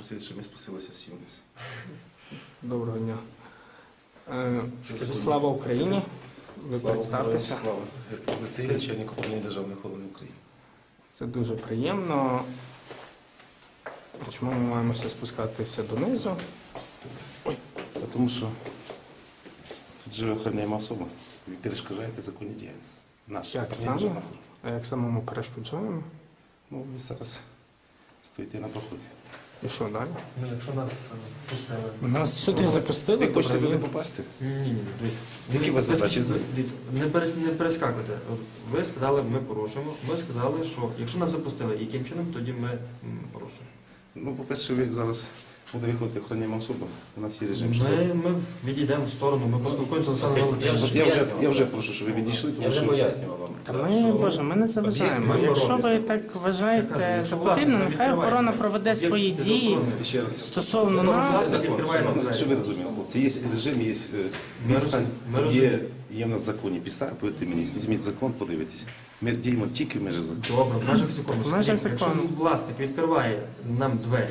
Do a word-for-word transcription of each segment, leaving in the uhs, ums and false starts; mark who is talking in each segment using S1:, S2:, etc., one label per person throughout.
S1: просити, щоб ми спустилися всі вниз.
S2: Доброго дня. Е, слава Україні. Ви
S1: Слава
S2: представтеся.
S1: Слава. Це начальник управління Державної охорони України.
S2: Це дуже приємно. Чому ми маємося спускатися донизу?
S1: Ой. Тому що тут живе охороняємо особа. Ви перешкоджаєте законні діяльність. Наша.
S2: Як саме? А як самому перешкоджаємо?
S1: Ну, ви зараз стоїте на проході.
S2: І що далі?
S3: Ну, якщо нас пустили.
S2: Нас сюди запустили?
S1: Ви хочете
S2: добре.
S1: туди попасти?
S3: Ні, ні, дивіться.
S1: Які у вас
S3: Ви-
S1: задачі?
S3: дивіться, Не, перес, не перескакуйте. От ви сказали, ми порушуємо. Ми сказали, що якщо нас запустили, яким чином, тоді ми м, порушуємо.
S1: Ну, по-перше, ви зараз буде виходити охороняємо особа. У нас є режим штрафу.
S3: Ми, ми відійдемо в сторону, ми поспілкуємося з
S4: Василь,
S3: Олександром
S4: я вже-
S1: Я вже,
S4: пояснював.
S1: я вже прошу, щоб ви відійшли,
S4: Я
S1: тому
S4: вже
S1: що
S4: пояснював вам.
S2: Та ми, Боже, ми не заважаємо.
S4: Об'єкт
S2: Якщо ви
S4: охорони.
S2: так
S3: Я
S2: вважаєте
S3: кажу,
S2: за
S3: що
S2: потрібно,
S3: власне,
S2: нехай
S3: відкривайте.
S2: охорона проведе свої
S3: Об'єкт
S2: дії
S3: охорони.
S1: ще раз.
S2: стосовно
S3: Ми
S2: нас.
S3: можемо відкриваємо
S1: Ну,
S3: двері.
S1: Що ви розуміли, хлопці? Є режим, є е,
S3: Ми
S1: відстань,
S3: роз- ми
S1: є,
S3: розуміємо.
S1: є в нас законні підстави, повірте мені, візьміть закон, подивитися. Ми діємо тільки в межах закону.
S3: Добре, в межах закону.
S2: В межах
S3: Скажіть, Якщо
S2: закону.
S3: власник відкриває нам двері,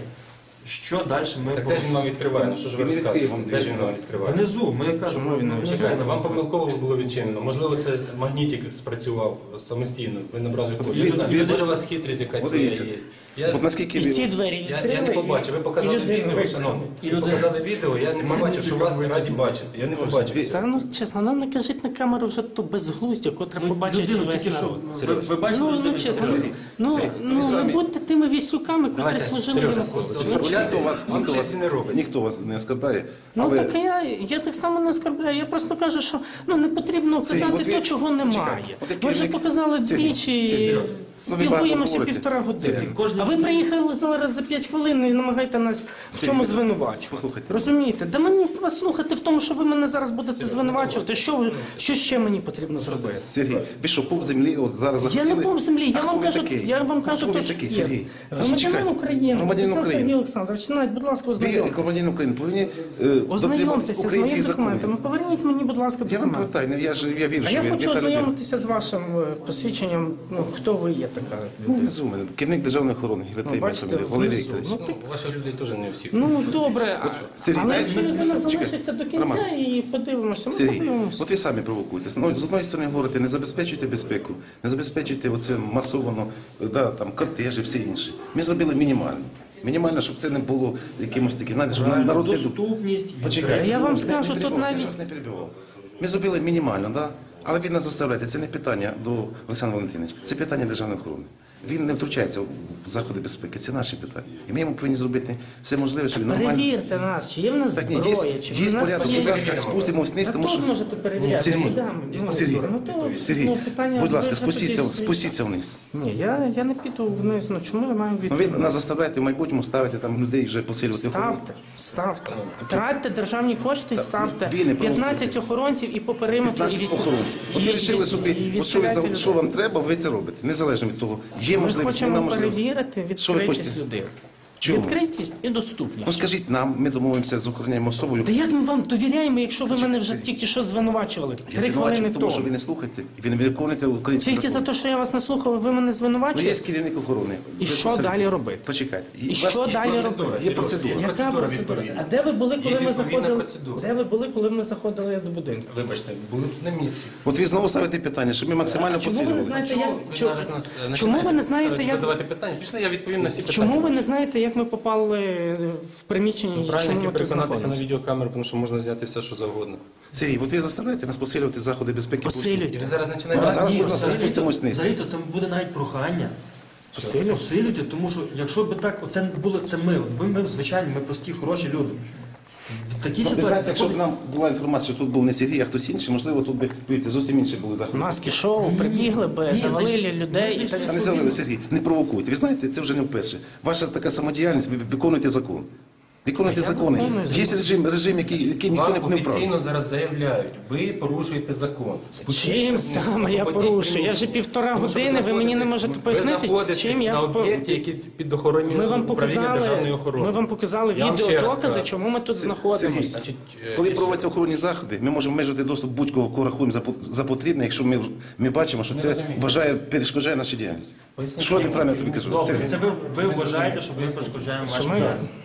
S3: що далі ми
S4: Так де ж він вам відкриває? Ну що ж ви
S1: Він не відкриє вам
S4: розказуєте? Де ж він
S1: двері.
S4: вам відкриває?
S3: Внизу, ми кажемо,
S2: Чому він не
S3: внизу.
S4: Чекайте, вам помилково було відчинено. Можливо, це магнітик спрацював самостійно. Ви набрали код.
S1: ви- ви-
S4: Може, у вас хитрість якась
S1: От
S4: своя
S1: дивіться.
S4: є. Я,
S1: От наскільки
S2: І ці
S1: ви...
S2: двері
S4: я,
S2: відкрили.
S4: я не побачив. Ви показали
S2: і людину
S4: відео,
S2: викинули.
S4: шановні.
S3: І
S4: Ви
S3: людина-
S4: показали відео, я не побачив, що вас раді бачити. Я не побачив.
S2: Та ну чесно, нам не кажіть на камеру вже то безглуздя, котре побачить
S3: Людину
S2: весь
S3: тільки що.
S2: народ.
S3: Ви, ви бачили
S2: Ну, ну
S3: людину?
S2: чесно,
S1: Сергій,
S2: ну,
S1: Сергій,
S2: ну
S1: ви
S2: не
S1: самі-
S2: будьте тими віслюками, котрі
S4: Давайте,
S2: служили
S4: Сережа,
S2: Януковичу.
S1: Ніхто вас,
S4: Вам
S1: ніхто вас,
S4: честі не робить.
S1: ніхто вас не оскарбляє,
S2: Ну
S1: але...
S2: так я, я так само не оскарбляю. Я просто кажу, що ну не потрібно
S1: Сергій,
S2: казати
S1: от ви-
S2: то, чого
S1: Чекайте,
S2: немає.
S1: от як
S2: Ми вже
S1: керівник-
S2: показали
S1: Сергій,
S2: двічі,
S1: Сергій, ну, ви багато
S2: спілкуємося
S1: говорите.
S2: півтора години.
S1: Сергій,
S3: кожен-
S2: А ви приїхали зараз за п'ять хвилин і намагаєте нас в
S1: Сергій,
S2: цьому звинувачувати.
S1: послухайте.
S2: Розумієте? Да мені вас слухати в тому, що ви мене зараз будете звинувачувати. Що, ви- що ще мені потрібно зробити?
S1: Сергій, ви що, пуп землі, от зараз
S2: Я
S1: захотіли?
S2: не пуп землі,
S1: А
S2: я
S1: хто
S2: вам
S1: ви
S2: кажу,
S1: такий?
S2: я вам
S1: А
S2: кажу,
S1: хто ви
S2: то, що
S1: такий,
S2: є.
S1: Сергій?
S2: Громадянин
S1: Чекайте.
S2: України,
S1: Громадянин
S2: це
S1: України.
S2: Сергій Олександрович, навіть, будь ласка,
S1: Ви,
S2: ознайомтеся.
S1: громадянин України, повинні е, дотримуватися
S2: Ознайомтеся з
S1: українських
S2: моїми документами.
S1: законів.
S2: Поверніть мені, будь ласка,
S1: Я вам
S2: документи.
S1: повертаю, я, ж- я вірю,
S2: А
S1: що
S2: я
S1: ви
S2: хочу
S1: не та людина.
S2: ознайомитися з вашим е, посвідченням, ну, хто ви є така
S1: Ну,
S2: людина.
S1: внизу мене, керівник державної охорони,
S2: Ну,
S1: Гілетей
S2: бачите,
S1: Мефамілія, Валерій
S2: внизу.
S1: Вікторович.
S2: Ну, так,
S4: Ну, ваші люди теж не всі.
S2: ну, добре, а-
S1: Сергій,
S2: але
S1: знаєте,
S2: якщо людина
S1: чекай,
S2: залишиться до кінця
S1: Роман.
S2: і подивимося, ми
S1: Сергій,
S2: подивимося.
S1: от ви самі провокуєте. З одної- з одної сторони говорите, не забезпечуйте безпеку, не забезпечуйте оце масовано, да, там, кортежі, все інше. Ми зробили мінімально. Мінімально, щоб це не було якимось таким, знаєте, щоб
S3: Правильно,
S1: народ не...
S3: доступність.
S1: Почекайте,
S2: Я вам
S1: не
S2: скажу, тут
S1: перебивайте,
S2: навіть-
S1: я ж вас не перебивав. Ми зробили мінімально, да? Але він нас заставляє. Це не питання до Олександра Валентиновича, це питання державної охорони. Він не втручається в заходи безпеки, це наші питання. І ми йому повинні зробити все можливе, щоб він нормально...
S2: Перевірте нас, чи є в нас
S1: Так ні,
S2: зброя,
S1: є,
S2: чи
S1: є
S2: в нас
S1: порядок,
S2: є...
S1: будь ласка, спустимось вниз,
S2: А
S1: тому що...
S2: тут можете перевіряти,
S1: Сергій,
S2: куди ми? Ну,
S1: Сергій,
S2: ну, то,
S1: Сергій,
S2: ну, питання
S1: будь ласка,
S2: виключно
S1: спустіться,
S2: тоді-
S1: спустіться вниз.
S2: Ні, я, я не піду вниз, ну чому я маю
S1: Ну,
S2: відповідь?
S1: ви нас заставляєте в майбутньому ставити там людей вже посилювати охорону.
S2: Ставте, ставте. Тратьте державні кошти і ставте
S1: ви не
S2: п'ятнадцять охоронців і по периметру, і від...
S1: п'ятнадцять охоронців. От
S2: і-
S1: ви
S2: і-
S1: вирішили собі,
S2: і
S1: от що, ви,
S2: відстріляйте
S1: за- що
S2: людей.
S1: вам треба, ви це робите. Незалежно від того, є
S2: Ми
S1: можливість,
S2: хочемо
S1: нема можливості.
S2: перевірити
S1: Що ви
S2: відкритість
S1: хочете?
S2: людей.
S1: Чому?
S2: Відкритість і доступність.
S1: Ну скажіть нам, ми домовимося з охороняємо особою.
S2: Та як ми вам довіряємо, якщо ви мене вже тільки що звинувачували?
S1: Я
S2: Три
S1: звинувачую,
S2: хвилини
S1: тому що ви
S2: тому.
S1: не слухаєте, і ви не виконуєте українські
S2: Тільки за
S1: закони.
S2: те, що я вас не слухав, ви мене
S1: Ну,
S2: звинувачуєте?
S1: є керівник охорони.
S2: І
S1: Ви
S2: що
S1: посеред-
S2: далі робити?
S1: Почекайте.
S2: І
S1: у вас
S2: що
S1: є
S2: далі
S1: процедура,
S2: робити?
S1: Є процедура.
S2: Яка
S4: процедура
S2: процедура?
S4: відповідна.
S2: А де ви були, коли
S4: Є
S2: ми
S4: відповідна
S2: заходили?
S4: процедура.
S2: Де ви були, коли ми заходили до будинку?
S4: Вибачте, були тут на місці.
S1: От ви знову ставите питання, щоб ми максимально
S2: Чому ви не
S1: посилювали.
S2: знаєте,
S4: Чому
S2: як...
S4: ви
S2: чому-
S4: зараз нас, е,
S2: Чому ви не
S4: починаєте
S2: знаєте, як...
S4: задавати питання? Пішли, я відповім на всі питання.
S2: Чому ви не знаєте, як ми попали в приміщення і
S4: Правильно,
S2: чому ми
S4: як
S2: тут
S4: переконатися на
S2: знаходимося?
S4: відеокамеру, тому що можна зняти все, що завгодно.
S1: Сергій, от ви заставляєте нас посилювати заходи безпеки. по всій-
S2: Посилюйте.
S4: І ви зараз
S1: А
S4: починаєте...
S1: зараз,
S3: Ні,
S1: будь ласка,
S3: взагалі-то-
S1: спустимось вниз.
S3: Взагалі-то це буде навіть прохання.
S2: Посилюйте.
S3: Посилюйте, тому що якщо б так, оце не було це ми. Ми, ми звичайні, ми прості, хороші люди. В такій
S1: Ну, ви знаєте,
S3: ситуації
S1: якщо б
S3: заходить-
S1: нам була інформація, що тут був не Сергій, а хтось інший, можливо, тут би повірте, зовсім інші були заходи.
S2: Маски шоу, прибігли би,
S3: Ні,
S2: завалили
S3: зайшли-
S2: людей і
S3: зайшли
S2: так
S1: А не залили, Сергій, не провокуйте. Ви знаєте, це вже не вперше. Ваша така самодіяльність, ви виконуєте закон. Виконуйте
S2: Та я
S1: закони.
S2: виконую
S1: Є
S2: закон.
S1: режим, режим, який, який ніхто не
S4: Вам
S1: не вправ.
S4: офіційно зараз заявляють, ви порушуєте закон.
S2: Чим саме я порушую? Я вже півтора години, ви мені не можете пояснити, чим я
S4: на
S2: по-
S4: об'єкті, який під охороною
S2: Ми вам
S4: управління державної
S2: показали,
S4: охорони.
S2: ми вам показали
S4: Я вам ще раз
S2: відеодокази,
S4: кажу.
S2: чому ми тут
S1: Сергій,
S2: знаходимося.
S4: Значить, е,
S1: Коли
S4: і
S1: проводяться охоронні заходи, ми можемо обмежити доступ будь-кого, кого рахуємо за, по- за потрібне, якщо ми, ми бачимо, що це
S4: розумію.
S1: вважає, перешкоджає нашу діяльність.
S4: Поясніть
S1: Що я
S4: мені.
S1: неправильно тобі кажу?
S3: Добре,
S1: Сергій?
S3: це ви, ви вважаєте, що ви перешкоджаємо
S2: Що
S3: ваші
S2: ми-
S3: права.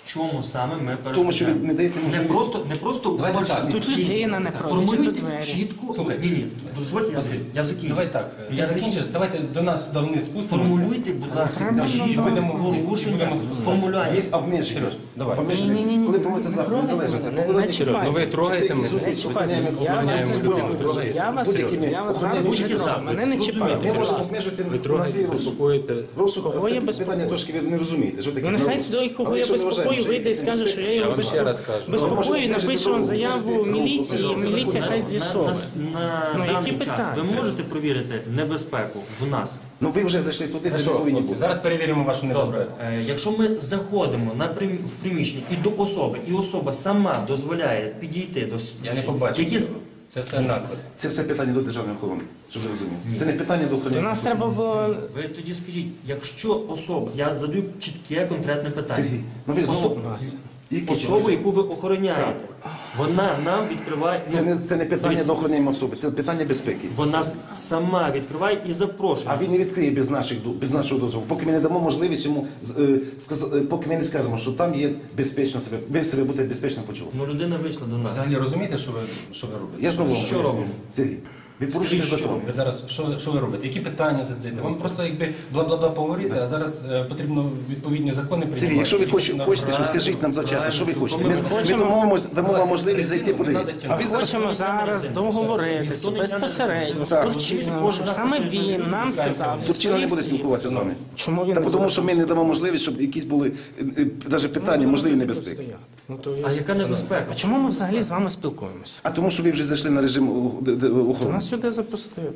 S3: В чому саме ми
S1: Тому що ви
S3: перешкоджаємо?
S1: не даєте
S3: Не
S1: можливість.
S3: просто, не просто
S4: Давайте
S3: ваші
S4: так.
S2: Тут
S3: дії.
S2: людина не проти,
S3: Формулюйте
S2: тут двері.
S3: чітко.
S4: Слухай.
S3: Ні, ні, дозвольте, я,
S4: Василь,
S3: я закінчу.
S4: Давай так,
S3: Я
S4: ти закінчиш, давайте до нас до вниз спустимося.
S3: Формулюйте, будь ласка,
S2: Треба
S3: ваші
S2: нам
S3: порушення,
S4: будемо
S3: формулювання.
S1: Є обмеження.
S4: Сереж, давай.
S1: Обмеження.
S2: Ні-ні-ні,
S1: Коли
S2: не
S1: проводиться захід
S2: трогайте
S1: незалежності,
S2: мене,
S1: покладайте
S2: не чіпайте.
S4: Ну ви трогаєте мене.
S1: Зустріч, охороняємо,
S2: Я
S1: охороняємо
S2: вас
S1: будинок,
S2: прошу.
S1: охороняємо.
S2: Я вас
S1: Будь-якими
S2: я вас
S1: охороняємо
S2: зараз
S1: будь-які
S2: буду
S1: заходи.
S2: мене не чіпайте.
S1: Ми
S2: будь
S1: можемо
S2: ласка.
S1: обмежити
S4: Ви
S1: на
S4: трогаєте,
S1: свій розсуд.
S4: безпокоїте.
S1: Розсуд,
S2: Кого
S1: це
S2: я
S1: питання
S2: безпокою?
S1: трошки ви не розумієте. Що таке
S2: Ну нехай
S1: розсуд.
S2: той, кого
S1: Але
S2: я
S1: якщо ви
S2: безпокою,
S1: вважаєте,
S2: вийде і
S1: що
S2: скаже, що я
S4: Я
S2: його
S4: вам ще раз кажу.
S2: безпокою, і напише вам заяву міліції, і міліція хай
S3: На,
S2: з'ясовує.
S3: на
S2: Ну,
S3: даний
S2: які
S3: час ви
S2: питання?
S3: можете провірити небезпеку в нас?
S1: Ну ви вже зайшли туди, де не
S4: Хорошо,
S1: повинні
S4: хлопці,
S1: бути.
S4: зараз перевіримо вашу
S3: Добре,
S4: небезпеку.
S3: е, якщо ми заходимо на прим- в приміщення і до особи, і особа сама дозволяє підійти до с-
S4: Я не побачив
S3: які з-
S4: цього. Це все наклад.
S1: Це все питання до державної охорони, щоб ви розуміли. Це не питання до
S2: До
S1: охорони.
S2: нас треба було.
S3: Ви тоді скажіть, якщо особа, я задаю чітке конкретне питання.
S1: Сергій, ну ви знову.
S3: Особа,
S1: Які
S3: особа, яку ви охороняєте, вона нам відкриває,
S1: Це
S3: ну,
S1: не, це не питання до охороняємо особи, це питання безпеки.
S3: вона с- сама відкриває і запрошує.
S1: А він не відкриє без, наших, до- без нашого дозволу, поки ми не дамо можливість йому, з- е, сказ- е, поки ми не скажемо, що там є безпечно себе, ви себе будете безпечно почувати.
S3: Ну людина вийшла до
S4: Ви
S3: нас.
S4: взагалі розумієте, що ви, що ви робите?
S1: Я знову вам
S3: Що
S1: поясню.
S3: робимо?
S1: Сергій, ви порушуєте
S3: Скажіть,
S1: закон.
S4: Ви зараз що, що ви робите? Які питання задаєте? Вам просто якби бла-бла-бла поговорити, а зараз е, потрібно відповідні закони приймати.
S1: Сергій, якщо ви
S4: І
S1: хоч-
S4: на-
S1: хочете, що скажіть нам завчасно, що ви хочете. Ми, ми
S2: хочемо-
S1: дамо, дамо вам можливість зайти
S4: Резину не
S1: подивитися.
S4: надо
S1: А ви зараз
S2: Хочемо зараз договоритися безпосередньо з
S1: Так.
S2: Турчином, щоб саме він нам сказав. зі
S1: Турчина не буде
S2: своїх слів.
S1: спілкуватися з вами.
S2: Чому він
S1: Та
S2: не
S1: тому,
S2: буде
S1: що ми не дамо можливість, щоб якісь були навіть питання, можливі небезпеки.
S2: Ну, то я-
S3: А яка небезпека?
S2: А чому ми взагалі з вами спілкуємося?
S1: А тому, що ви вже зайшли на режим у- д- д- охорони.
S2: Нас сюди запустили.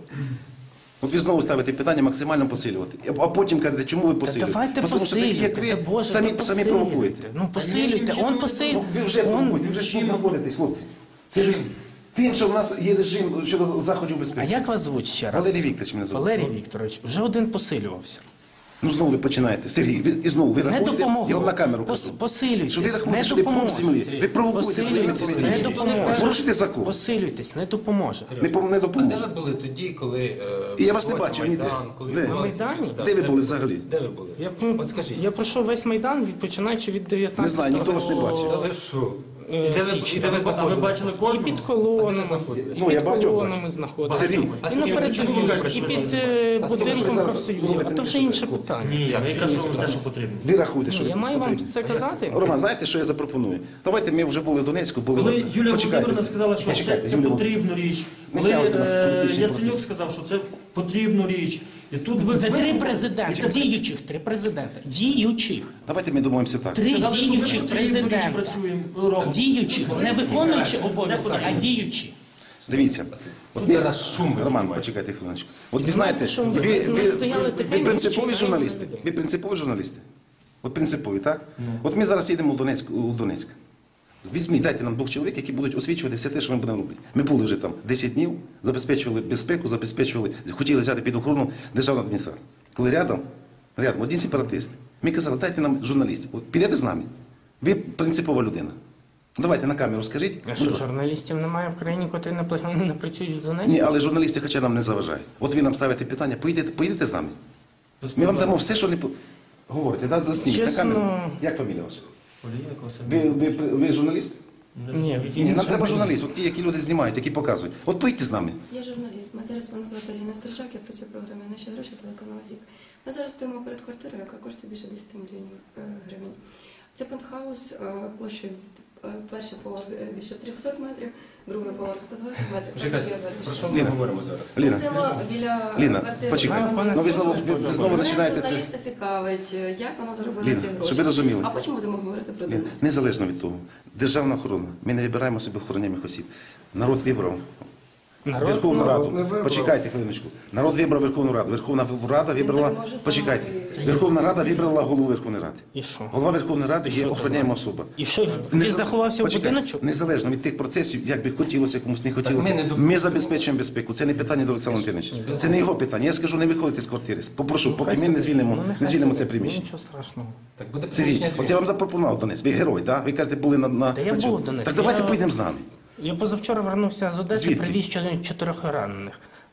S1: От ви знову ставите питання максимально посилювати. А потім кажете, чому ви
S2: Та
S1: посилюєте?
S2: давайте
S1: Тому що такі, як
S2: посилюйте,
S1: ви,
S2: та Боже,
S1: самі,
S2: та
S1: самі
S2: посилюйте.
S1: провокуєте.
S2: Ну посилюйте, он
S1: Ну,
S2: посилює.
S1: ви вже провокуєте, ви вже тут знаходитесь, хлопці. Це ж тим, що в нас є режим щодо заходів
S2: А
S1: безпеки.
S2: як вас звуть ще раз?
S1: Валерій Вікторович мене звуть.
S2: Валерій Вікторович, вже один посилювався.
S1: Ну знову ви починаєте. Сергій, ви, і знову ви
S2: Не
S1: рахуєте,
S2: допомогло.
S1: я вам на камеру
S2: Пос-
S1: кажу.
S2: Посилюйтесь,
S1: Що ви рахуєте,
S2: не
S1: що ви пуп
S2: допоможе.
S1: землі. Ви провокуєте своїми
S2: Посилюйтесь,
S1: цими
S2: не
S1: діями.
S2: допоможе.
S1: Порушуйте закон.
S2: Посилюйтесь, не допоможе.
S1: Не, пом- не
S4: А де
S1: допоможе.
S4: ви були тоді, коли... е,
S1: І я вас не
S4: відбувався
S1: бачив ніде.
S4: Майдан, коли
S1: Де?
S4: відбувалися
S2: На Майдані?
S4: всі-
S1: Де ви
S4: Так,
S1: були взагалі?
S4: Де ви були?
S2: Я,
S4: От скажіть.
S2: я пройшов весь Майдан, від, починаючи від дев'ятнадцятого.
S1: Не знаю, ніхто вас не бачив.
S4: Та ви що?
S2: Е,
S4: І де ви,
S2: січня.
S4: і де ви
S3: А ви
S4: знаходились?
S3: бачили кожного?
S2: Під колонами,
S1: Ну,
S2: під
S1: я багатьох
S2: колонами
S1: бачу.
S2: знаходилися.
S1: Сергій,
S3: А
S2: І
S3: скільки
S2: наперед
S3: ви чому
S2: і
S3: кажете,
S2: під
S3: що
S2: е,
S1: А скільки ви
S2: будинком
S1: зараз
S2: профсоюзу.
S1: робите
S2: А то вже
S1: більше
S2: інше
S1: такого?
S2: питання.
S3: Ні, я якраз робив те, що потрібно.
S1: Ви рахуєте, що
S2: Ну, я
S1: ви
S2: маю вам
S1: потрібно.
S2: це казати.
S1: Роман, знаєте, що я запропоную? Давайте ми вже були в Донецьку, були
S3: Коли
S1: в-
S3: Юлія
S1: Почекайте.
S3: Володимирівна сказала, що це,
S1: Почекайте,
S3: це
S1: Юлія
S3: потрібну річ,
S1: Не
S3: коли
S1: тягуйте нас в
S3: е,
S1: політичний
S3: Яценюк
S1: процес.
S3: сказав, що це потрібну річ, і тут ви
S2: Це
S3: ви-
S2: три
S3: І
S2: президенти,
S3: це
S2: діючих, три президенти. Діючих.
S1: Давайте ми домовимося так.
S2: Три
S3: сказали, що ми
S2: діючих
S3: потрібну річ
S2: президента.
S3: працюємо, робимо.
S2: Діючих, не виконуючи обов'язки, а діючі.
S1: Дивіться. От
S4: Тут
S1: ми-
S4: зараз шум ви
S1: Роман,
S4: піднімаєте.
S1: почекайте хвилиночку. От ви знаєте,
S2: що
S1: ви,
S2: ми-
S1: ви,
S2: ми
S1: ви,
S2: стояли
S1: ви
S2: тихенько,
S1: принципові
S2: чекаємо
S1: журналісти.
S2: людей.
S1: Ви принципові журналісти. От принципові, так? От ми зараз їдемо у Донецьк, у Донецьк. Візьміть, дайте нам двох чоловік, які будуть освічувати все те, що ми будемо робити. Ми були вже там десять днів, забезпечували безпеку, забезпечували, хотіли взяти під охорону державну адміністрацію. Коли рядом, рядом, один сепаратист, ми казали, дайте нам журналістів. От підете з нами. Ви принципова людина. Давайте на камеру скажіть.
S2: А що, журналістів немає в країні, котрі не пла- не працюють в Донецьку?
S1: Ні, але журналісти хоча нам не заважають. От ви нам ставите питання, поїдете, поїдете з нами. Ми вам дамо все, що не по- говорите, да, засніміть на
S2: Чесно.
S1: камеру. Як фамілія ваша?
S3: Олія Косин.
S1: Ви, ви, ви журналіст?
S2: Ні,
S1: Ні, нам треба журналіст, от ті, які люди знімають, які показують. От поїдьте з нами.
S5: Я журналіст. Ми зараз мене звати Аліна Стрижак, я працюю в програмі «Наші гроші» телеканалу ЗІК. Ми зараз стоїмо перед квартирою, яка коштує більше десять мільйонів е, гривень. Це пентхаус е, площею е, перший поверх е, більше трьохсот метрів, другий поверх сто двадцять метрів.
S4: Чекайте,
S5: також є
S4: про
S5: верхній.
S4: що ми
S1: Ліна.
S4: говоримо зараз?
S5: Ми
S1: Ліна,
S5: стоїмо біля
S1: Ліна,
S5: квартири.
S1: почекай.
S5: пана
S1: Ну ви знову, ви, ви знову
S5: Мене
S1: починаєте це.
S5: журналіста цікавить, е, як вона заробила
S1: Ліна,
S5: ці гроші.
S1: щоб ви розуміли.
S5: А потім будемо говорити про
S1: Ліна,
S5: Донецьк.
S1: незалежно від того, державна охорона, ми не вибираємо собі охороняних осіб. Народ вибрав
S2: Народ
S1: Верховну
S2: народ
S1: Раду.
S2: не вибрав.
S1: Почекайте хвилиночку. Народ вибрав Верховну Раду. Верховна Рада вибрала.
S5: Він так може
S1: Почекайте.
S5: сам
S1: Верховна Рада вибрала голову Верховної Ради.
S2: І що?
S1: Голова Верховної Ради є
S2: що це
S1: охороняєма особа.
S2: І що, він
S1: Незал-
S2: заховався в
S1: Почекайте.
S2: будиночок?
S1: Незалежно від тих процесів, як би хотілося, комусь не хотілося.
S4: ми не доп-
S1: Ми забезпечуємо безпеку. Це не питання до Олександра Антоновича. Це не його питання. Я скажу, не виходити з квартири. Попрошу, поки ми не звільнимо,
S2: Ну,
S1: не
S2: нехай
S1: звільнимо це
S2: собі.
S1: приміщення.
S2: Ну, нічого страшного.
S4: Так буде
S1: Сергій,
S4: приміщення
S1: от я
S4: звільнено.
S1: вам запропонував Донець. Ви герой, да? Ви кажете, були на, на
S2: Та я
S1: на цьому.
S2: був в Донецьку.
S1: Так давайте
S2: Я-
S1: поїдемо з нами.
S2: Я позавчора вернувся з Одеси,
S1: Звідки?
S2: привіз чотирьох ранених.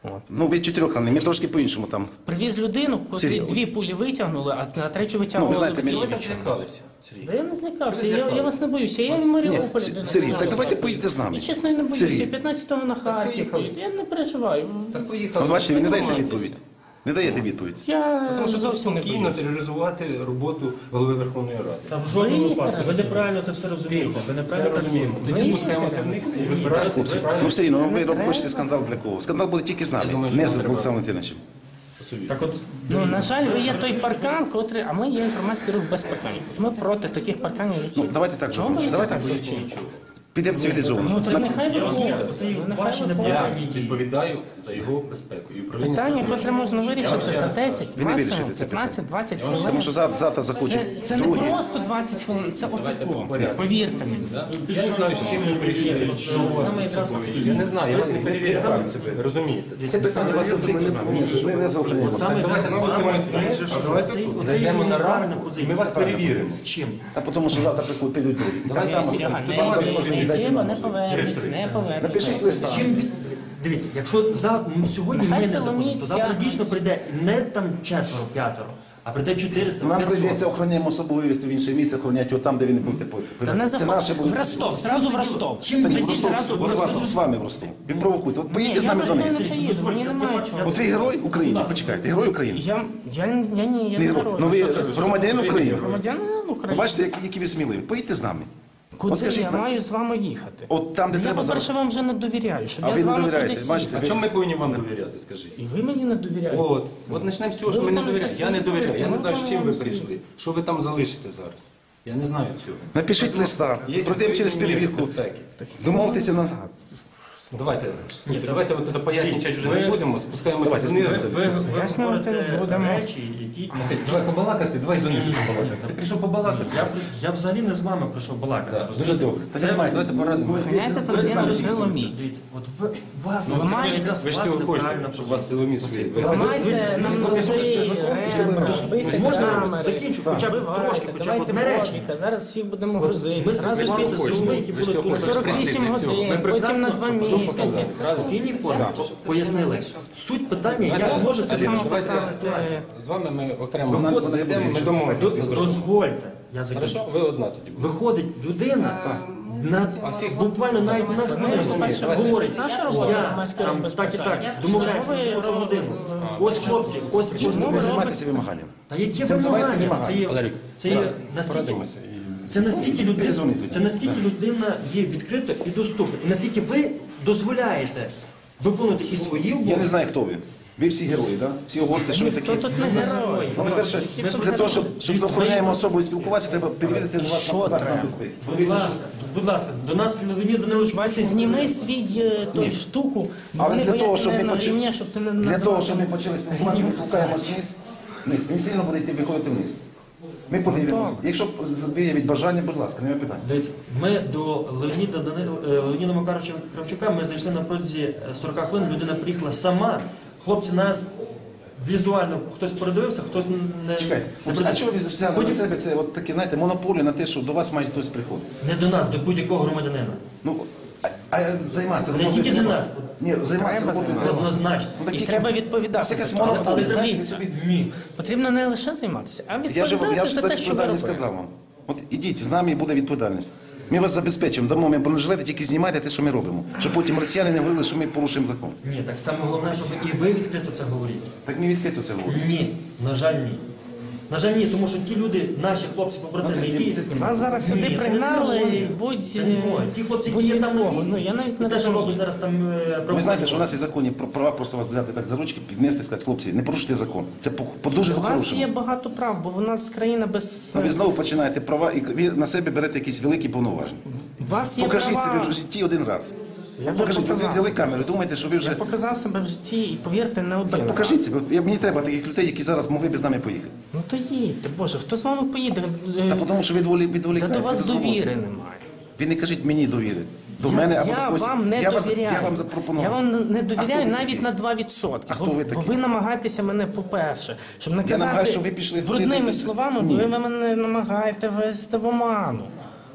S2: От.
S1: Ну, ви чотирьох ранені, ми трошки по-іншому там.
S2: Привіз людину, котрі
S1: Серйозно?
S2: дві пулі витягнули, а на третю
S1: Ну,
S2: витягнули.
S1: ви знаєте,
S4: Чого ви
S1: мені...
S4: так злякалися, Сергій?
S2: Та я не злякався,
S4: Чого ви
S2: я, я
S4: злякалися?
S2: вас не боюся, я в
S1: Ні,
S2: Маріуполі.
S1: С-
S2: людина.
S1: Сергій, так давайте поїдете з нами.
S2: Я чесно не боюся,
S1: Сергій.
S2: я п'ятнадцятого на Харків
S4: поїхали.
S2: поїду, я не переживаю.
S4: Так поїхали.
S1: От бачите, ви не даєте
S4: Нормальність.
S1: відповідь. Не даєте відповідь.
S2: Я
S4: Тому що тут
S2: зовсім не
S4: спокійно
S2: боюся.
S4: тероризувати роботу голови Верховної Ради.
S6: Та в жодному
S2: Ви
S6: випадку. Ви
S2: їхали.
S6: неправильно це все розумієте. Ви
S4: Це
S6: неправильно так
S4: розуміємо.
S6: розумієте.
S4: Тоді
S2: Ви
S4: спускаємося
S2: їхали.
S4: вниз і вибираєте.
S1: Хлопці, ну все рівно, ви хочете скандал для кого? Скандал буде тільки з
S4: Я
S1: нами,
S4: думаю, що
S1: не
S4: нам
S1: з
S4: треба-
S1: Олександром Валентиновичем.
S6: Так от,
S2: Ну, на жаль, ви є той паркан, котрий, а ми є інформаційний рух без парканів. Ми проти таких парканів.
S1: Ну, давайте так
S2: Чому
S1: зробимо.
S2: боїться
S1: Давайте
S2: так
S1: так. Підемо цивілізовано.
S2: Ну, то нехай
S6: Я розумію,
S2: виходить.
S6: це і
S2: Нехай
S6: ваші
S2: виходить.
S4: Я
S6: неправильні
S4: відповідаю за його безпеку і управління.
S2: Питання,
S4: безпекою.
S2: котре можна
S4: Я
S2: вирішити
S4: вам ще
S2: за
S4: раз кажу.
S2: десять,
S1: Ви не
S2: максимум
S1: вирішите це
S2: п'ятнадцять-двадцять
S1: Тому
S2: хвилин.
S1: що завтра, завтра захочуть
S2: Це, це не
S1: другі.
S2: просто двадцять хвилин, це
S4: Давайте по
S2: отако.
S4: порядку.
S2: Повірте мені.
S4: Да? Я не знаю, з чим ви прийшли. Що у вас
S6: Саме
S4: тут
S6: якраз
S4: собою.
S6: такі.
S4: Я не знаю, я вас не перевіряю.
S1: саме
S4: Ви розумієте?
S1: Це питання у вас конфлікту з нами. Ні, ми не заохраняємо.
S6: От саме
S4: Давайте
S6: якраз
S4: спустимося вниз.
S6: оцей- оцей
S4: Зайдемо на
S6: неправильна
S4: раду, і
S6: позиція.
S4: ми вас перевіримо.
S6: Чим?
S1: А тому що завтра приходять підуть другі. І так само
S2: Ага,
S1: скажуть,
S2: не
S1: вам не
S2: йде,
S1: можна
S2: не
S1: віддати
S2: йде,
S1: нам
S2: не
S1: можливість.
S2: повернеться, не повернеться.
S1: Напишіть листа.
S6: Чим дивіться, якщо за ну, сьогодні
S2: Нехай
S6: ми не
S2: силоміць
S6: заходимо, то завтра
S2: тягнуть.
S6: дійсно прийде не там четверо, п'ятеро, а прийде чотириста,
S1: Нам
S6: п'ятсот.
S1: прийдеться охороняємо особу вивезти в інше місце, охороняти його там, де ви не будете
S2: Та не
S1: повезти. Це наше
S2: заходь.
S1: буде.
S2: В Ростов, зразу в Ростов.
S6: Чим
S1: Та ні, в
S2: Везіть
S1: Ростов,
S2: зразу в
S1: от вас
S2: Ростов.
S1: з вами в Ростов. Ви провокуйте. От
S2: Ні,
S1: поїдьте
S2: я
S1: з нами
S2: в
S1: до
S2: Ростов
S1: них.
S2: не поїду, мені немає чого.
S1: От ви герой України, почекайте, герой України.
S2: Я, я, я ні, я
S1: Не
S2: не
S1: герой.
S2: герой.
S1: Ну ви громадянин України.
S2: Громадянин
S1: Ви
S2: України.
S1: бачите, які- які ви сміливі. Поїдьте з нами.
S2: Куди
S1: От скажіть
S2: я
S1: нам.
S2: маю з вами їхати?
S1: От там, де
S2: Я,
S1: треба
S2: по-перше,
S1: зараз.
S2: вам вже не довіряю, щоб
S1: А
S2: я
S1: ви
S2: з
S1: не
S2: вами
S1: довіряєте,
S2: кудись
S1: бачите?
S4: А чому ми повинні вам довіряти, скажіть?
S2: І ви мені не довіряєте.
S4: От, от почнемо з цього, що ми не довіряємо. Я не довіряю. Я не знаю, з чим ви прийшли. Що ви там залишите зараз? Я не знаю цього.
S1: Напишіть листа,
S4: Є
S1: пройдемо через
S4: відповідні
S1: перевірку.
S4: безпеки.
S1: Домовтеся на...
S4: Давайте, хлопці, давайте от це пояснювати вже не будемо, спускаємося
S1: Давайте,
S4: донизу.
S6: Ви, ви
S2: Пояснювати
S6: говорите
S2: будемо.
S6: речі, які...
S4: Давай побалакати, давай донизу побалакати. Ти прийшов побалакати.
S6: Я, я взагалі не з вами прийшов балакати.
S4: Так, Дуже добре.
S1: Це
S4: Давайте порадимо.
S2: Знаєте, проблема з Силоміць.
S6: Дивіться, от ви, вас,
S2: Ну,
S6: ви
S2: маєте-
S6: якраз
S4: Ви ж
S6: вас
S4: цього хочете,
S6: неправильна
S4: щоб
S6: позиція.
S4: вас силоміць свої.
S2: Ламайте нам носи, рем, розбити
S6: Можна
S2: камери.
S6: закінчу, хоча б
S2: Вбивайте,
S6: трошки, хоча б
S2: давайте
S6: одне речення.
S2: бачите, зараз всіх будемо грузити.
S6: Ми
S2: Зразу
S6: спілкувалися
S2: всіх
S6: з людьми, які були тут
S2: сорок вісім годин, потім на два місяці.
S6: в спокійній формі пояснили. Суть питання, як може це
S2: Так само
S6: вирішити
S2: поставити.
S6: ситуацію.
S4: З вами ми окремо
S1: Вона- вона
S4: виходимо,
S1: буде
S4: ми
S1: ще
S4: домовимося.
S6: Дозвольте, я закінчу.
S4: Хорошо, ви одна тоді будете.
S6: Виходить людина,
S5: Ми
S6: на,
S5: працюємо
S6: буквально навіть на хвилину
S2: Перше,
S6: говорить,
S2: наша робота
S6: я
S2: громадська
S6: там
S2: безпека.
S6: так і так,
S5: Я
S6: домовляємося
S2: прийшла.
S6: про годину. Ось хлопці, ось ось
S1: Не
S6: ми
S1: займайтеся вимаганням.
S6: Та які
S1: Це називається
S6: вимагання? Це є,
S4: Валерій,
S6: це є настільки,
S4: порадимося. і-
S6: це настільки людина,
S1: Перезвоніть тоді.
S6: це настільки людина є відкрита і доступна. І настільки ви дозволяєте виконувати і свої
S1: Я не
S6: обов'язки.
S1: знаю, хто ви. Ви всі герої, так? Всі говорите, що ви такі.
S2: Хто тут не герой?
S1: Ну, по-перше, для того, щоб, щоб з охороняємо особу і спілкуватися, треба перевірити на вас на захист безпеки.
S6: Будь ласка, будь ласка, до нас Леонід Данилович
S2: Вася, зніми свій е, той штуку,
S1: Але
S2: вони
S1: для того,
S2: бояться
S1: щоб
S2: не
S1: ми
S2: на
S1: почали,
S2: рівні, щоб ти не
S1: для
S2: назвав.
S1: того, щоб ми почали спілкуватися, ми спускаємося вниз. Ні, він сильно буде йти виходити вниз. Ми подивимося. Якщо виявить бажання, будь ласка, немає питань.
S6: Дивіться, ми до Леоніда Данил... е, Леоніда Макаровича Кравчука ми зайшли на протязі сорока хвилин, людина приїхала сама. Хлопці нас візуально хтось передивився, хтось не,
S1: Чекайте,
S6: не
S1: а
S6: передивився.
S1: чого ви взяли на
S6: Потім-
S1: себе це от такі, знаєте, монополію на те, що до вас має хтось приходити?
S6: Не до нас, до будь-якого громадянина.
S1: Ну, а, а займатися
S6: Не
S1: роботою
S6: тільки до
S1: треба?
S6: нас.
S1: Ні, займатися
S2: Треба
S1: роботою треба.
S6: Однозначно.
S1: Ну, так
S2: І
S1: тільки-
S2: треба
S1: У
S2: відповідати.
S1: вас якась
S2: за це. Але
S1: монополія.
S2: дивіться,
S6: Ні.
S2: потрібно не лише займатися, а
S1: Я ж,
S2: відповідати
S1: я ж
S2: за
S1: за
S2: те, що ви
S1: відповідальність
S2: робите.
S1: сказав вам. От ідіть, з нами і буде відповідальність. Ми вас забезпечимо, дамо ми бронежилети, тільки знімайте те, що ми робимо. Щоб потім росіяни не говорили, що ми порушуємо закон.
S6: Ні, так саме головне, щоб і ви відкрито це говорите.
S1: Так ми відкрито це говоримо.
S6: Ні, на жаль, ні. На жаль, ні, тому що ті люди, наші хлопці побратими,
S1: Ну, це-
S6: які...
S1: це-
S2: Вас зараз
S6: Ні,
S2: сюди
S6: це
S2: пригнали,
S6: не
S2: і
S6: моє.
S2: будь,
S6: Це не моє. Ті хлопці,
S2: будь
S6: які є
S2: від
S6: там на
S2: кого.
S6: місці,
S2: Ну, я навіть
S6: і
S2: не
S6: те, що
S2: розумію.
S6: роблять зараз там... е,
S1: Ви знаєте, що у нас є законі про права просто вас взяти так за ручки, піднести і сказати, хлопці, не порушуйте закон. Це по, по дуже
S2: У вас
S1: по-хорошому.
S2: є багато прав, бо в нас країна без...
S1: Ну, ви знову починаєте права і ви на себе берете якісь великі повноваження.
S2: У вас є
S1: Покажіть
S2: права.
S1: себе в житті один раз.
S2: Я вже
S1: Покажіть, ви
S2: показав
S1: взяли
S2: себе.
S1: камеру, думаєте, що ви вже...
S2: Я показав себе в житті і повірте, не один.
S1: Так
S2: раз.
S1: покажіть себе. Я- Мені треба таких людей, які зараз могли б з нами поїхати.
S2: Ну то їдьте, Боже, хто з вами поїде? Е,
S1: Та тому що ви відволі-
S2: Та
S1: відволікаєте.
S2: до вас
S1: від роботи.
S2: довіри немає.
S1: Ви не кажіть мені довіри. До
S2: я,
S1: мене або
S2: я
S1: до когось.
S2: вам не
S1: я вас-
S2: довіряю.
S1: Я вам запропонував.
S2: Я вам не
S1: А хто
S2: довіряю
S1: ви
S2: навіть
S1: такий?
S2: на два відсотки.
S1: А хто
S2: бо,
S1: ви
S2: бо
S1: такий?
S2: ви намагаєтеся мене, по-перше, щоб наказати
S1: намагаюся, щоб ви пішли туди,
S2: брудними
S1: де-
S2: словами,
S1: Ні.
S2: ви мене намагаєте вести в оману.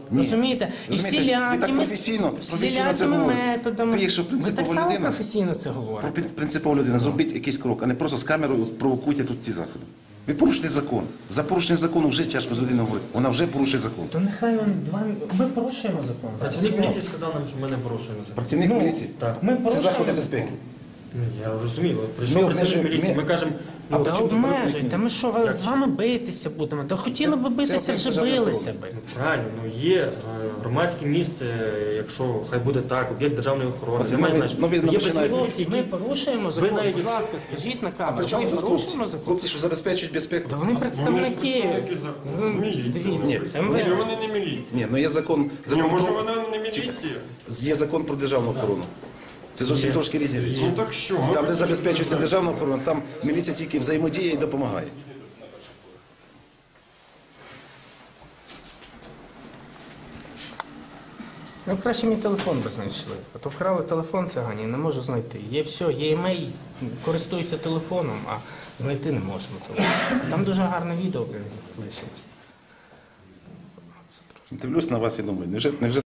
S1: Ні.
S2: Розумієте? І
S1: Розумієте, ви так
S2: всілякими,
S1: професійно- професійно це
S2: всілякими
S1: говорите.
S2: методами.
S1: Ви, якщо
S2: Ви
S1: принципова
S2: так само
S1: людина-
S2: професійно це
S1: Про
S2: говорите.
S1: пrin- принципову людину, зробіть якийсь крок, а не просто з камерою провокуйте тут ці заходи. Ви порушите закон. За порушення закону вже тяжко з людиною говорити. Вона вже порушує закон.
S2: То нехай он два. Ми порушуємо закон.
S6: Працівник міліції сказав нам, що ми не порушуємо закон.
S1: Працівник
S2: Ну,
S1: міліції.
S6: Так.
S2: Ми
S1: Це
S2: порушуємо
S1: заходи
S2: закон.
S1: безпеки.
S6: Ну, я розумію.
S1: Ми
S6: Прийшов працівник
S1: обмежуємо-
S6: міліції,
S1: ми-
S6: ми кажемо,
S1: А
S6: ну,
S2: Та
S1: чому
S2: обмежуй, та ми що,
S6: Як?
S2: з вами битися будемо? Та хотіли би битися,
S1: це
S2: вже
S1: державна
S2: билися би.
S6: ну, правильно, ну є е, громадське місце, якщо хай буде так, об'єкт державної охорони.
S1: Оце
S6: Немає
S1: нові-
S6: значення.
S1: нові
S6: Є
S1: починають-
S6: працівник міліції,
S2: Ми
S6: які
S2: порушуємо закон.
S6: навіть-
S2: Будь ласка, скажіть на камеру.
S1: Причому
S2: Ми
S1: тут хлопці?
S2: порушуємо закон.
S1: Хлопці, що забезпечують безпеку?
S2: Та вони представники. З- Дивіться,
S1: Ні.
S2: МВС.
S7: Чи вони не міліція?
S1: Ні, ну є закон,
S7: Ні,
S1: закон
S7: може
S1: про-
S7: вона не міліція?
S1: є закон про державну охорону. Це зовсім трошки різні речі.
S7: Ну так що? Ми
S1: Там, де
S7: хочемо-
S1: забезпечується державна охорона, там міліція тільки взаємодіє і допомагає.
S2: Ну краще мій телефон би знайшли. А то вкрали телефон цигані, не можу знайти. Є все, є емейл, користуються телефоном, а знайти не можемо телефон. Там дуже гарне відео блін, лишилось.
S1: Дивлюсь на вас і думаю, невже, невже